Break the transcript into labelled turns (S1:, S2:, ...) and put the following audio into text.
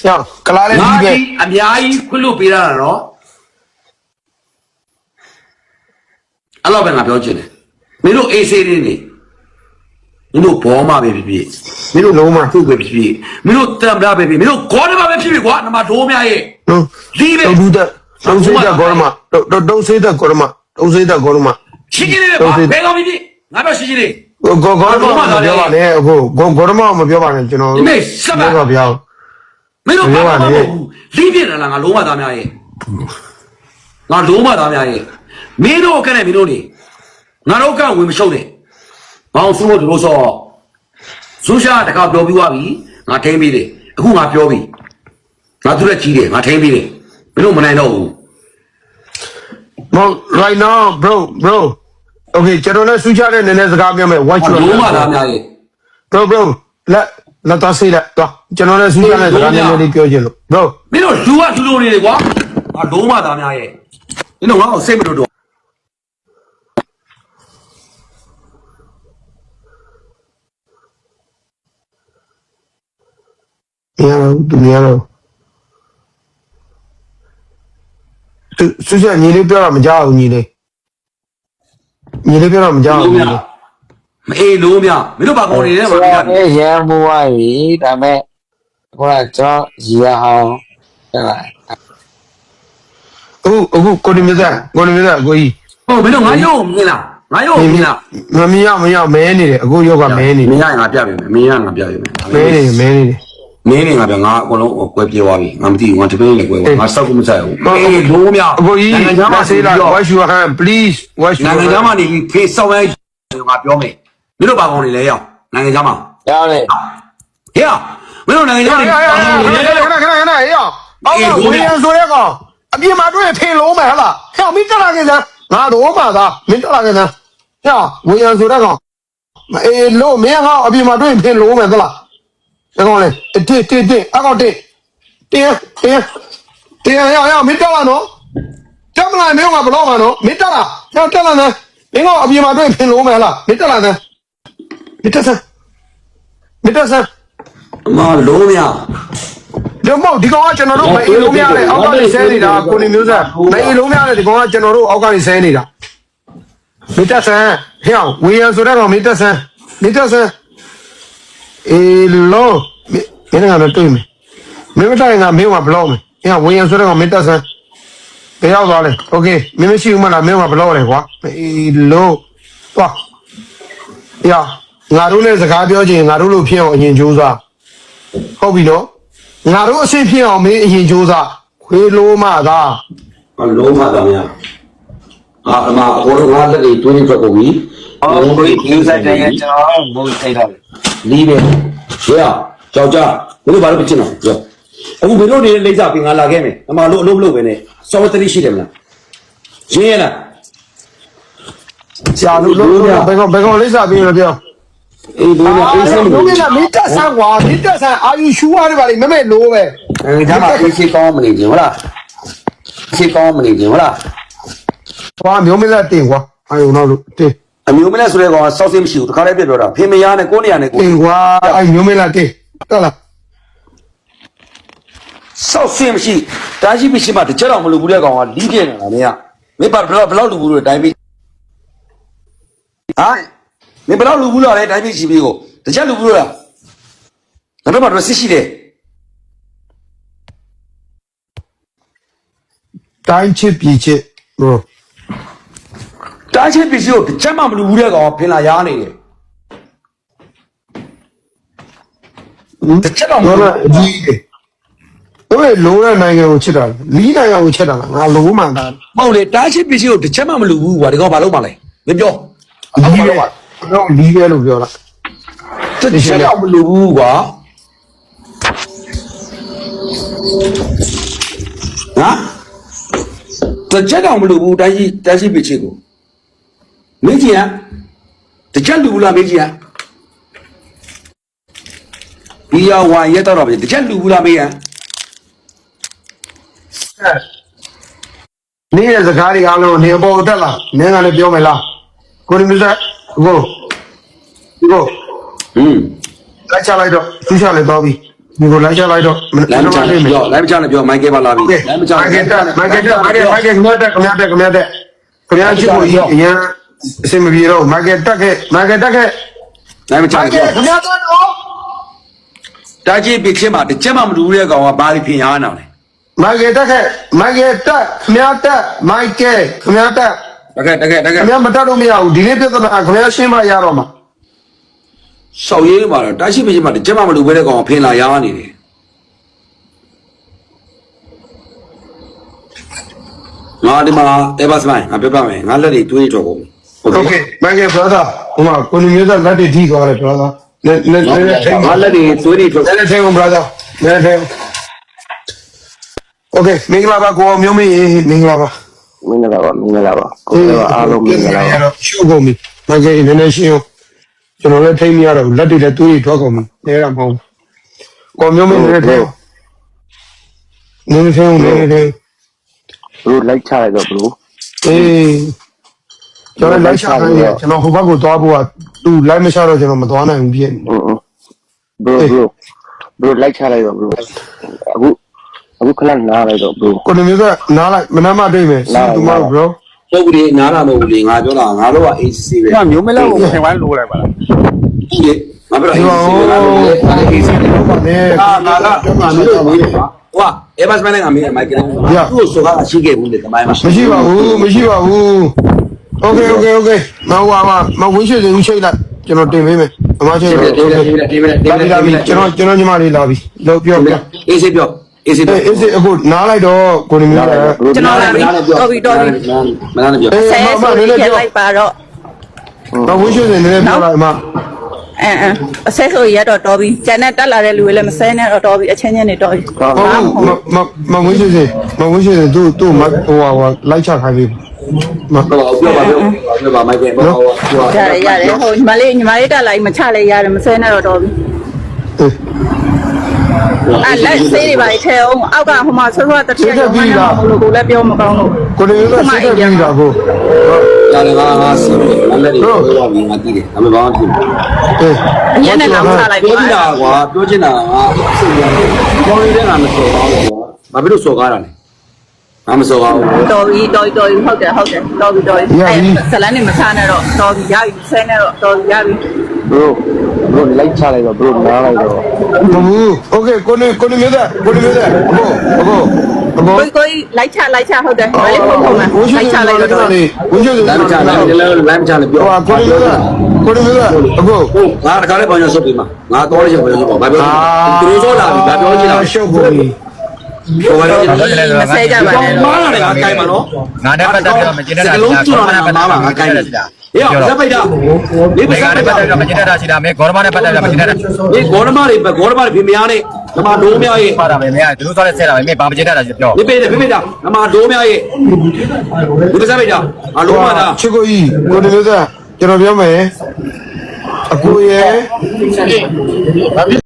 S1: ကြောက်ကလားလေးဒီပဲ
S2: အများကြီးခွလို့ပေးရတာနော်အဲ့လိုပဲငါပြောချင်တယ်မင်းတို့အေးဆေးလေးနေမင်းတို့ဘောမပဲဖြစ်ဖြစ်မင်းတို့လုံးမသူ့ပဲဖြစ်ဖြစ်မင်းတို့တမ်ဘရာပဲဖြစ်မင်းတို့ဂေါ်ဒမပဲဖြစ်ဖြစ်ကွာနမဒိုးများရဲ့ဒီပဲ
S1: ဒူတဲ့ဒုံစေးတဲ့ဂေါ်မဒုံစေးတဲ့ဂေါ်မဒုံစေးတဲ့ဂေါ်မ
S2: ရှင်းရှင်းလေးပဲဘယ်ကောင်ဖြစ်ငါပြောရှင်းရှင်းလေး
S1: ဂေါ်မပြောပါနဲ့အခုဂေါ်မမပြောပါနဲ့ကျွန်တော်
S2: ဒီမေစပ်ပါ
S1: ဗျာ
S2: မင်းတို့ဘာမှမဟုတ်ဘူးလီးပြင်းလာငါလုံးမသားများရဲ့ငါလုံးမသားများရဲ့မင်းတို့ကနဲ့မင်းတို့နေငါတို့ကဝင်မရှုပ်နဲ့ဘောင်စုလို့တို့ဆိုဆူရှာတခါပြောပြီးသွားပြီငါထိန်းပြီးတယ်အခုငါပြောပြီငါသူရက်ကြီးတယ်ငါထိန်းပြီးတယ်မင်းတို့မနိုင်တော့ဘူး
S1: right now bro okay ကျွန်တော်လည်းဆူချတဲ့နည်းနည်းစကားပြောမယ် watch you
S2: လုံးမသားများရဲ့
S1: bro လက်တော့ဆေးလက်တော့ကျွန်တော်လည်းဆူချတဲ့စကားနည်းနည်းလေးပြောချင်လို့ bro
S2: မင်းတို့လူကလူလိုနေတယ်ကွာငါလုံးမသားများရဲ့မင်းတို့ငါ့ကိုစိတ်မလို့တော့
S1: နေရတော့ဆူချညီလေးပြောတာမကြောက်ဘူးညီလေးပြောတာမကြောက်ဘူး
S2: မအေးလုံးမြမင်းတို့ဘာကောင်းနေလဲမပြော
S3: ဘူးရမ်းမွားပြီဒါမဲ့ခေါ်ကျွန်တော်ရီရအောင်ဟဲ့လား
S1: အခုကိုနေမြတ်ကိုကြီး
S2: ဟုတ်မင်းတို့ငါရုပ်မြင်လားငါရုပ်မြင်လား
S1: မမြင်မဲနေတယ်အခုရုပ်ကမဲနေတယ်
S2: မင်းရငါပြပေးမယ်မင်းရငါပြပေးမယ်
S1: မဲနေမင်း
S2: နေငါပြငါအကုန်လုံးကွဲပြေးသွားပြီငါမသိဘူးငါတပင်းနဲ့ကွဲသွားငါစောက်ကူမဆိုင်ဘူးအေးလုံးမြ
S1: အခုကြီးနိုင်ငံခြားမှာဆေးလာ wash your hand please wash your hand
S2: နိုင်ငံခြားမှာနေပြီးဖေးစောက်လိုက်ငါပြောမယ်မင်းတို့ဘာကောင်းနေလဲရောနိုင်ငံခြားမှာ
S3: ရောက်လေ
S2: ဟေးမင်းတို့နိုင်ငံခြားမှာ
S1: ခဏဟေးအော်ဝင်ရဆိုရဲကောင်အပြင်မှာတွေ့ဖေးလုံးမယ်ဟလားဟဲ့မင်းတက်လာခဲ့စမ်းငါတော့မှသာမင်းတက်လာခဲ့စမ်းဟဲ့ဝင်ရဆိုရဲကောင်အေးလို့မင်းဟောအပြင်မှာတွေ့ဖေးလုံးမယ်သလား这个嘞，对，阿个对，要没到了喏，这么来没有啊不老嘛喏，没到了，要到了呢，别个阿边嘛对拼罗买了，没到了呢，没到噻，
S2: 妈罗呀，
S1: 这冇，你讲我见到都没罗面嘞，我讲你生你的，过年没噻，没罗面嘞，你讲我见到都我讲你生你的，没到噻，像为啥说那个没到噻，အေးလို့မင်းကတော့တွေ့မယ်မင်းမတိုင်ကမင်းကဘလောက်မယ်အေးဝင်ရဆိုတော့မင်းတက်ဆန်းတယောက်သွားလဲโอเคမင်းမရှိဘူးမလားမင်းကဘလောက်လဲကွာအေးလို့သွားအေးငါတို့လည်းစကားပြောချင်ငါတို့လို့ဖြစ်အောင်အရင်ကြိုးစားဟုတ်ပြီနော်ငါတို့အဆင်ဖြစ်အောင်မင်းအရင်ကြိုးစားခွေးလို့မှသာ
S2: လုံးမှသာများအမအကုန်လုံးငါလက်တွေတွင်းနေထွက်ကုန်ပြီ
S3: ဟုတ်ပြီယူဆိုင်တယ်ကျွန်တော်မဟုတ်ထိုက်တော့
S2: လီးပဲကြောက်ကြဘယ်လိုဘာလို့မချင်တော့ပြောအခုဘယ်လိုနေလိမ့်စားပြီးငါလာခဲ့မယ်အမလို့အလုပ်မလုပ်ပဲနဲ့စောဝတ္တရီရှိတယ်မလားရင်းရလား
S1: ဆရာတို့လို့ဘယ်ကောင်လိမ့်စားပြီးလို့ပြော
S2: အေးဘယ်လိုအေးစမ်း
S1: လို့မင်းတက်ဆန်းကွာမင်းတက်ဆန်းအာယူရှူရတယ်ပါလေမမဲ့လို့ပဲ
S2: ဒါမှအေးရှိကောင်းမနေခြင်းဟုတ်လားရှိကောင်းမနေခြင်းဟုတ်လား
S1: ကွာမျိုးမင်းလက်တင်ကွာအာယူနောက်လို့တင်
S2: အမျိုးမလဲဆိုတဲ့ကောင်ကစောက်စင်းမရှိဘူးတခါတည်းပြပြောတာဖေမယားနဲ့ကိုနေရနဲ့ကို
S1: ကွာအဲ့မျိုးမလားတေးတက်လား
S2: စောက်စင်းမရှိတားရှိမရှိမှတကြတော့မလုပ်ဘူးတဲ့ကောင်ကလီးပြနေတာမင်းကမင်းဘလောက်လူဘူးလို့တိုင်းပြီးဟာမင်းဘလောက်လူဘူးလို့လဲတိုင်းပြီးရှိပြီးကိုတကြလူဘူးလို့လားငါတို့မှတော့စစ်ရှိတယ်
S1: တိုင်းချစ်ပြည်ချစ်ဘရို
S2: တားချင်းပစ္စည်းကိုတစ်ချက်မှမလူဘူးတဲ့ကောင်ဖင်လာရားနေတယ်တစ်ချက်တော့မ
S1: လို့ကြီးတယ်တို့လုံးတဲ့နိုင်ငံကိုချစ်တာလီးနိုင်ငံကိုချစ်တာငါလုံးမှန်တာ
S2: မဟုတ်လေတားချင်းပစ္စည်းကိုတစ်ချက်မှမလူဘူးကွာဒီကောင်ဘာလုပ်မှလဲမပြော
S1: လီးပဲတော့လီးပဲလို့ပြောတာ
S2: တစ်ချက်တော့မလူဘူးကွာဟာတစ်ချက်တော့မလူဘူးတားချင်းပစ္စည်းကိုမင်းကြီးကတကြက်လူဘူးလားမင်းကြီးကဒီရဝါရက်တော့ပဲတကြက်လူဘူးလားမင်းက
S1: နေရစကားတွေအားလုံးနေအပေါ်တက်လာနင်းကလည်းပြောမယ်လားကိုရီမစကို
S2: လက်
S1: ချလိုက်တော့သူချလိုက်တော့ပြီဒီကိုလိုက်ချလိုက်တော့
S2: လိုင်းမချနဲ့ပြောလိုင်းမချနဲ့ပြောမိုက်ကယ်ပါလာပြီလိုင်းမချ
S1: မိုက်ကတက်ခမရတက်ခမရတက်ခမရတက်ခမရချစ်ကိုအရင်အစင်မပြေတော့မိုက်ကတက်ခဲ့မိုက်ကတက်ခဲ့
S2: လိုင်းမချနဲ့ပြော
S1: ခမရတက်တော့
S2: တာကြီးပြချင်းမှာတစ်ချက်မှမတူတဲ့ကောင်ကဘာလို့ပြင်ရအောင်လဲ
S1: မိုက်ကတက်ခဲ့မိုက်ကတက်ခမရတက်မိုက်ကခမရတက်
S2: တကယ်
S1: ခမရမတက်တော့မရဘူးဒီနေ့ပြဿနာခမရရှင်းမရတော့မှာ
S2: ဆောက်ရေးမှာတော့တာရှိပြချင်းမှာတစ်ချက်မှမတူဘဲတဲ့ကောင်ဖင်လာရနေတယ်ငါဒီမှာအေဘတ်စမိုင်းငါပြပြမယ်ငါလက်တွေတွေးထွက်ကုန်
S1: โอเคမိုက်ကဘရာသာဟိုမှာကိုလူမျိုးသားလက်တွေထိသွားတယ်ဘရာသာနဲ့ထိန်
S2: ငါလက်တွေတွေးထွက်
S1: နဲ့ထိန်ဘရာသာနဲ့ထိန်โอเคမင်္ဂလာပါကိုမျိုးမင်းမင်္ဂလာပါ
S3: မင်္ဂလာပါကိုယ်ကအားလုံးမင်္ဂလာပါ
S1: ရှုပ်ကုန်ပြီမိုက်ကနည်းနည်းရှင်းအောင်ကျွန်တော်လည်းထိမရတော့လက်တွေလည်းတွေးထွက်ကုန်ပြီနေရမှာမဟုတ်ကိုမျိုးမင်းလည်းထိနည်းထိန်နည်းထိန်
S3: ဘလို့လိုက်ချလိုက်တော့ဘလို့
S1: အေးကျွန်တော်လိုက်ချတယ်ကျွန်တော်ဟိုဘက်ကိုသွားဖို့ကသူလိုက်မချတော့ကျွန်တော်မသွားနိုင်ဘူးပြည့်
S3: ဘလို့လိုက်ချလိုက်တော့ဘလို့အခုခဏနားလိုက်တော့ဘလို့
S1: ကိုမျိုးကနားလိုက်မနာမတွေ့မယ်စီတူမ bro
S2: ပုတ်ကလေးနားလာမဟုတ်ဘူးလေငါပြောတာငါတို့က AC ပဲ
S3: ကမျိုးမလောက်ကိုခင်ဝိုင်းလိုးလိုက်ပါလား
S2: ဒီလေငါပြောတာ AC ပဲငါတို့လေ AC ပဲ
S1: ဘာလဲ
S2: ငါမျိုးမေးတယ်ကွာအေဘတ်စမိုင်းကမေးတယ်မိုက်ကယ်သူ့ကိုစောကားရှိခဲ့ဘူးလေတမိုင်းမှာ
S1: မရှိပါဘူးโอเคမဟွာမဝင်းရှိစင်ဦးချိတ်လိုက်ကျွန်တော်တင်ပေးမယ်အမချိတ်တော့ကျွန်တော်ညီမလေးလာပြီလောက်ပြော
S2: AC ပြော AC ပြော
S1: အေးစစ်အခုနားလိုက်တော့ကိုနေမျိုးက
S4: ကျွန်တော်လာပြီတော်ပြီ
S2: မနာနဲ့ပြော
S4: ဆဲဆိုပြီးရက်လိုက်ပါတော့
S1: မဝင်းရှိစင်နည်းနည်းပြောလိုက်အမ
S4: အဆဲဆိုရက်တော့တော်ပြီကျန်တဲ့တက်လာတဲ့လူတွေလည်းမဆဲနဲ့တော့တော်ပြီအချင်းချင်းတွေတော်ပြီ
S1: မဝင်းရှိစင်သူ့မဟိုလိုက်ချခိုင်းပြီမ
S2: တော့ပြောပါမိုက်ကယ်ပြော
S4: ရတယ်ဟိုညီမလေးတက်လိုက်မချလဲရတယ်မဆဲနဲ့တော့တော်ပြီလက်ဆေးတွေပါထဲအောင်အောက်ကဟိုမှာဆွတ်တတိယရောင်းနေမှာလို့ကိုလည်းပြောမကောင်းလို့
S1: ကိုနေမျိုးကစိတ်သက်ပြီးတာကို
S2: ရတယ်ငါစီးတယ်ငါလက်တွေပြောပြီးငါတည်တယ်ဒါပေမဲ့ဘာမှမဖြစ်ဘူး
S1: အေး
S4: အရင်နဲ့တော့ချလိုက်
S2: ပြော
S4: ပါ
S2: ချင်တာကွာပြောချင်တာငါစိတ်ရတယ်ပြောနေတဲ့ငါမစော်ပါဘူးကွာဘာဖြစ်လို့စော်ကားတာလဲငါမစော်ပါဘူး
S4: တော်ပြီဟုတ်တယ်တော်ပြီဇလန်းနေမချနဲ့တော့တော်ပြီရပြီဆဲနဲ့တော့တော်ပြီရပြီ
S3: ဘလို့လိုက်ချလိုက်တော့ဘလို့နားလိုက်တော့
S1: မဘူးโอเคကိုနေမျိုးသားအခု
S4: ကိုလိုက်ချဟုတ်တယ်မလေးဖုန်းဖုန်းမှာလိုက်ချလိုက်တော့
S1: ဝင်းရှိစင်
S2: လမ်းမချလည်းလမ်းမချလည်းပြော
S1: ဟိုကိုနေမျိုးသားအခု
S2: ဟုတ်ငါတခါလေးပေါင်းရဆုပ်ပြီးမှငါတော်ရချင်ပေါင်းရဆုပ်ပါဘာပြောသူတို့စောလာပြီဘာပြောချင်တာ
S1: ရှုပ်ကုန်ပြီ
S2: ပြောပါလေ
S4: မဆဲကြပါနဲ့
S2: မားလာတယ်ငါကိုင်မှာနော်
S5: ငါနဲ့ပတ်သက်ပြီးတော့မကျင်းတဲ့တာ
S2: စကလုံးကျွန်းလာတာမားမှာငါကိုင်တယ်ဟေ့ဇက်ပိတ်တာလေးပတ်
S5: ငါ
S2: သက်
S5: နဲ့ပတ်သက်ပြီးတော့မကျင်းတဲ့တာရှိတာမင်းဂေါရမနဲ့ပတ်သက်ပြီးတော့မကျင်းတဲ့တာ
S2: ဒီဂေါရမတွေဖေမယားနဲ့ဓမ္မဒိုးများရဲ့
S5: ပါတာပဲမင်းကသူတို့သွားတဲ့ဆဲတာပဲမင်းဘာမကျင်းတဲ့တာရှိပြော
S2: ဒီပေးတယ်ဖေတာဓမ္မဒိုးများရဲ့ဒီဇက်ပိတ်တာအလုံးမတာ
S1: ချစ်ကိုကြီးကိုနေမျိုးသားကျွန်တော်ပြောမယ်အကိုရဲ့